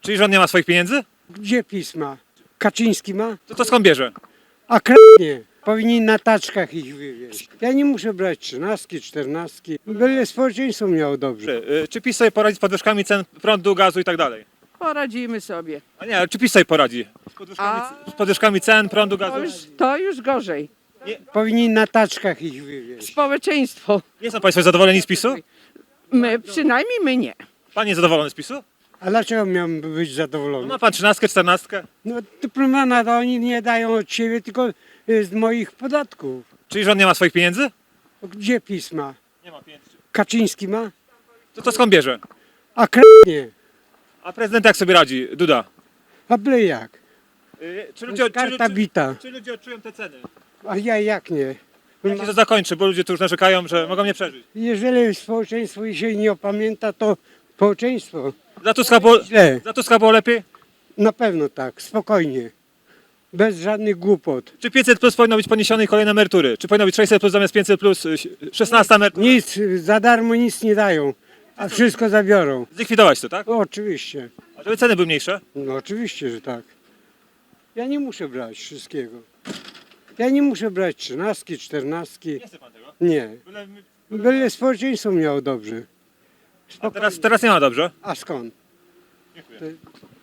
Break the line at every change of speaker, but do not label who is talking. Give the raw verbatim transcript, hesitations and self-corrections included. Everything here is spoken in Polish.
Czyli rząd nie ma swoich pieniędzy?
Gdzie PiS ma? Kaczyński ma?
To to skąd bierze?
A k***nie. Powinni na taczkach ich wywieźć. Ja nie muszę brać trzynastki, czternastki. Byle społeczeństwo miało dobrze.
Czy, y, czy PiS sobie poradzi z podwyżkami cen prądu, gazu i tak dalej?
Poradzimy sobie.
A nie, ale czy PiS sobie poradzi? Z podwyżkami,
A-
z podwyżkami cen, prądu,
To
gazu?
już, to już gorzej.
Powinni na taczkach ich wywieźć.
Społeczeństwo.
Nie są Państwo zadowoleni z PiSu?
My, przynajmniej my nie.
Pan jest zadowolony z PiSu?
A dlaczego miałbym być
No
zadowolony?
ma Pan trzynastkę, czternastkę.
No dyplomana to oni nie dają od siebie, tylko y, z moich podatków.
Czyli rząd nie ma swoich pieniędzy?
Gdzie PiS ma?
Nie ma pieniędzy.
Kaczyński ma?
To to skąd bierze?
A k***nie.
A prezydent jak sobie radzi? Duda.
A byle jak?
Y, Czy
To
ludzie,
jest
czy,
karta
czy,
bita.
czy ludzie odczują te ceny?
A ja jak nie?
Jak się to zakończy, bo ludzie tu już narzekają, że mogą nie przeżyć.
Jeżeli społeczeństwo się nie opamięta, to społeczeństwo
Za Tuska było,
źle.
za Tuska było lepiej?
Na pewno tak, spokojnie. Bez żadnych głupot.
Czy pięćset plus powinno być poniesione i kolejne emerytury? Czy powinno być sześćset plus zamiast pięćset plus, y, szesnaście emerytur?
Nic, za darmo nic nie dają, a wszystko zabiorą.
Zlikwidować to, tak?
No, oczywiście.
A żeby ceny były mniejsze?
No oczywiście, że tak. Ja nie muszę brać wszystkiego. Ja nie muszę brać trzynastki, czternastki.
Nie chce pan tego.
Nie.
Byle-
Byle społeczeństwo miało dobrze.
A teraz, teraz nie ma dobrze.
A skąd?
Dziękuję.
To-